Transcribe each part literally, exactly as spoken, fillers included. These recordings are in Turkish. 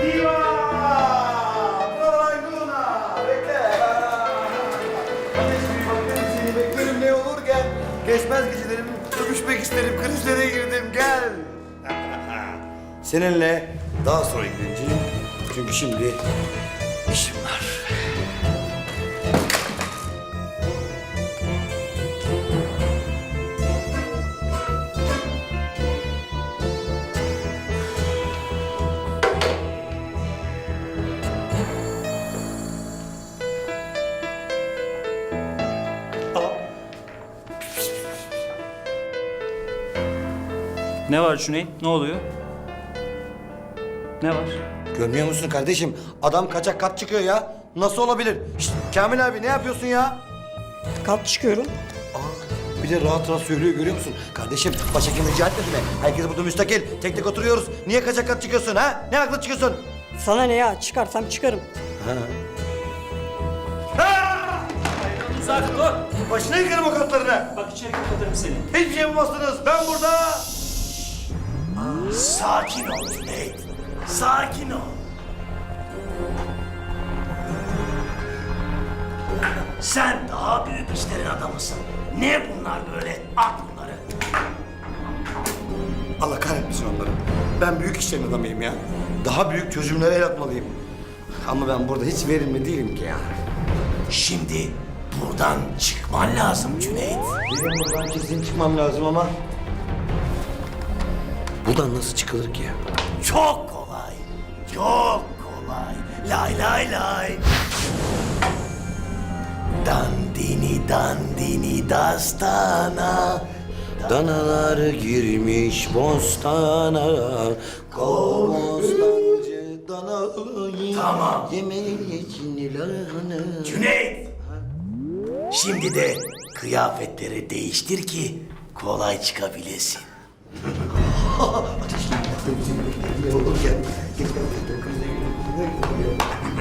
Viva! Brava Bekle. Kardeşim bakıyorum seni beklerim ne olur gel. Geçmez gecelerim, öpüşmek isterim, krizlere girdim gel. Seninle daha sonra ilgileneceğim. Çünkü şimdi işim var. Ne var Cüneyt? Ne oluyor? Ne var? Görmüyor musun kardeşim? Adam kaçak kat çıkıyor ya. Nasıl olabilir? Şişt, Kamil abi ne yapıyorsun ya? Kat çıkıyorum. Aa, bir de rahat rahat söylüyor görüyor musun? Kardeşim başhekim rica etmedi mi? Herkes burada müstakil. Tek tek oturuyoruz. Niye kaçak kat çıkıyorsun ha? Ne haklı çıkıyorsun? Sana ne ya? Çıkarsam çıkarım. Sakin dur. Başına yıkarım o katlarını. Bak içeri kapatırım seni. Hiçbir şey yapamazsınız. Ben burada. Sakin ol Cüneyt. Sakin ol. Sen daha büyük işlerin adamısın. Ne bunlar böyle? At bunları. Allah kahretmesin onları. Ben büyük işlerin adamıyım ya. Daha büyük çözümlere el atmalıyım. Ama ben burada hiç verimli değilim ki ya. Şimdi buradan çıkman lazım Cüneyt. Benim buradan kesin çıkmam lazım ama... Buradan nasıl çıkılır ki ya? Çok kolay. Çok kolay. Lay lay lay. Dandini dandini dastana. Danalar girmiş bostana. Bostancı danayı. Tamam. Yemeği için lahana. Cüneyt. Şimdi de kıyafetleri değiştir ki kolay çıkabilesin. Ateşli yaktım seni beklerim ne olur gel. Gel gel gel krize girelim.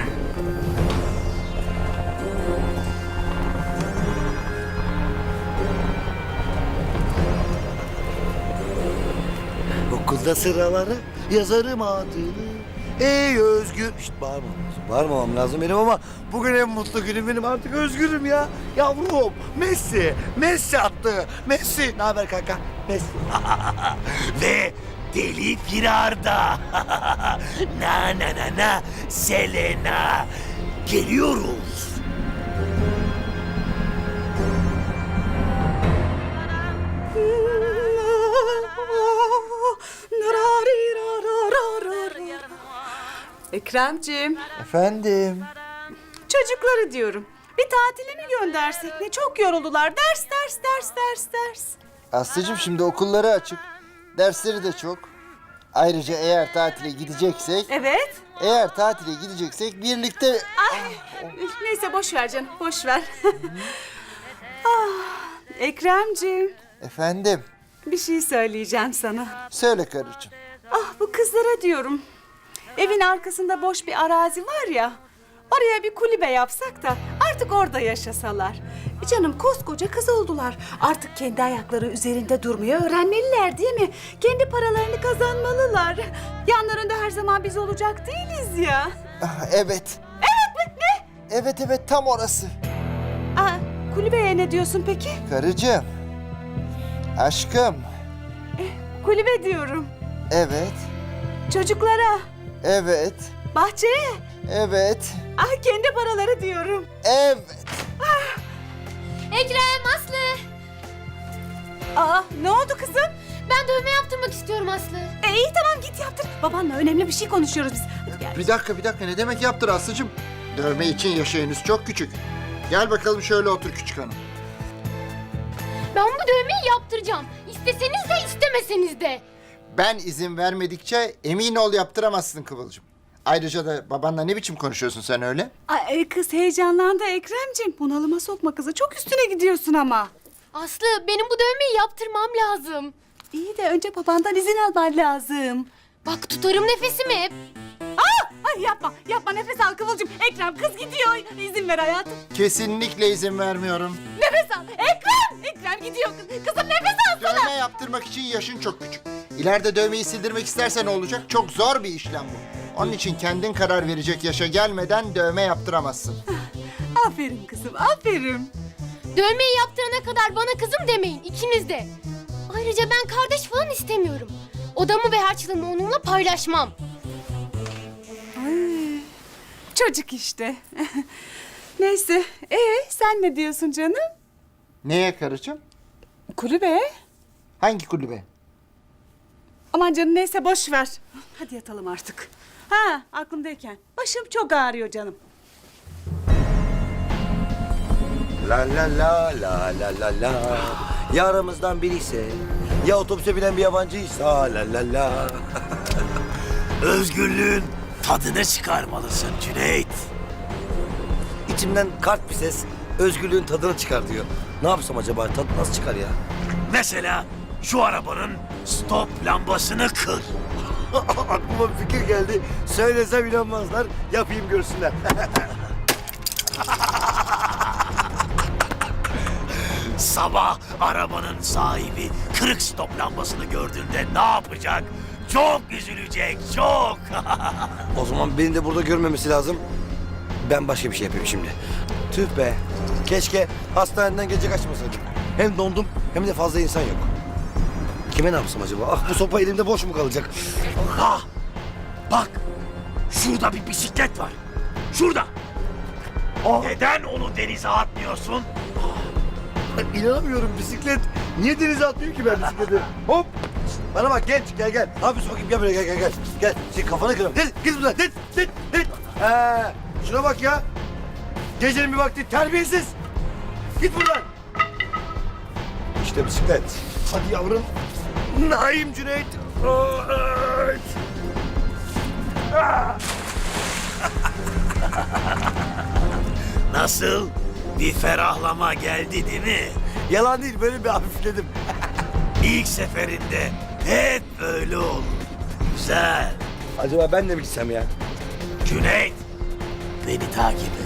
Okulda sıraları yazarım adını. Ey özgür... Şişt bağırmam lazım. Bağırmamam lazım benim ama bugün en mutlu günüm benim artık özgürüm ya. Yavrum Messi. Messi attı. Messi. Ne haber kanka? Messi. Ve deli firarda. Na na na na Selena. Geliyoruz. Ekremciğim, Efendim. çocukları diyorum. Bir tatile mi göndersek ne? Çok yoruldular. Ders, ders, ders, ders, ders. Aslıcığım şimdi okulları açık. Dersleri de çok. Ayrıca eğer tatile gideceksek, Evet. eğer tatile gideceksek birlikte... Ay, neyse boş ver canım, boş ver. ah, Ekremciğim, Efendim, bir şey söyleyeceğim sana. söyle karıcığım. Ah, bu kızlara diyorum. Evin arkasında boş bir arazi var ya. Oraya bir kulübe yapsak da artık orada yaşasalar. E canım koskoca kız oldular. Artık kendi ayakları üzerinde durmayı öğrenmeliler değil mi? Kendi paralarını kazanmalılar. Yanlarında her zaman biz olacak değiliz ya. Ah, evet. Evet mi? Ne? Evet evet tam orası. Aa, kulübeye ne diyorsun peki? Karıcığım. Aşkım. Kulübe diyorum. Evet. Çocuklara, Evet. bahçeye. Evet. Ah, kendi paraları diyorum. Evet. Ekrem, Aslı. Aa, ne oldu kızım? Ben dövme yaptırmak istiyorum Aslı. E, iyi tamam git yaptır. Babanla önemli bir şey konuşuyoruz biz. Hadi gel. Bir dakika bir dakika ne demek yaptır Aslıcığım? Dövme için yaşı henüz çok küçük. Gel bakalım şöyle otur küçük hanım. Ben bu dövmeyi yaptıracağım. İsteseniz de istemeseniz de. Ben izin vermedikçe emin ol yaptıramazsın Kıvılcım. Ayrıca da babanla ne biçim konuşuyorsun sen öyle? Ay, e, kız heyecanlandı Ekremciğim. Bunalıma sokma kızı. Çok üstüne gidiyorsun ama. Aslı, benim bu dövmeyi yaptırmam lazım. İyi de önce babandan izin alman lazım. Bak tutarım nefesimi hep. Aa! Ay yapma, yapma nefes al Kıvılcım. Ekrem kız gidiyor. İzin ver hayatım. Kesinlikle izin vermiyorum. Nefes al. Ekrem! Ekrem gidiyor kız. Kızım nefes alsana. Dövme yaptırmak için yaşın çok küçük. İleride dövmeyi sildirmek istersen ne olacak? Çok zor bir işlem bu. Onun için kendin karar verecek yaşa gelmeden dövme yaptıramazsın. Aferin kızım, aferin. Dövmeyi yaptırana kadar bana kızım demeyin ikiniz de. Ayrıca ben kardeş falan istemiyorum. Odamı ve harçlığımı onunla paylaşmam. Çocuk işte. Neyse, ee sen ne diyorsun canım? Neye karıcığım? Kulübe. Hangi kulübe? Aman canım neyse boş ver. Hadi yatalım artık. Ha aklımdayken. Başım çok ağrıyor canım. La la la la la la la. Ya aramızdan biri ise, ya otobüse binen bir yabancıysa la la la. Özgürlüğün tadını çıkarmalısın Cüneyt. İçimden kart bir ses özgürlüğün tadını çıkar diyor. Ne yapsam acaba? Tadı nasıl çıkar ya? Mesela şu arabanın stop lambasını kır. Aklıma bir fikir geldi. Söylesem inanmazlar. Yapayım görsünler. Sabah arabanın sahibi kırık stop lambasını gördüğünde ne yapacak? Çok üzülecek, çok. O zaman beni de burada görmemesi lazım. Ben başka bir şey yapayım şimdi. Tüh be. Keşke hastaneden gece kaçmasaydım. Hem dondum hem de fazla insan yok. Kime ne yapsam acaba? Ah bu sopa elimde boş mu kalacak? Ha, bak şurada bir bisiklet var. Şurada. Neden onu denize atmıyorsun? İnanamıyorum bisiklet. Niye denize atmıyor ki ben bisikleti? Hop. Bana bak genç gel gel. Ne yapıyorsun bakayım gel buraya gel gel gel. Gel senin kafanı kırarım. Git git buradan git git git. Ee, şuna bak ya. Gecenin bir vakti terbiyesiz. Git buradan. İşte bisiklet. Hadi yavrum. Naim Cüneyt. Evet. Ah. Nasıl? Bir ferahlama geldi değil mi? Yalan değil böyle bir hafifledim. İlk seferinde hep böyle olur. Güzel. Acaba ben de mi gitsem ya? Cüneyt, beni takip et.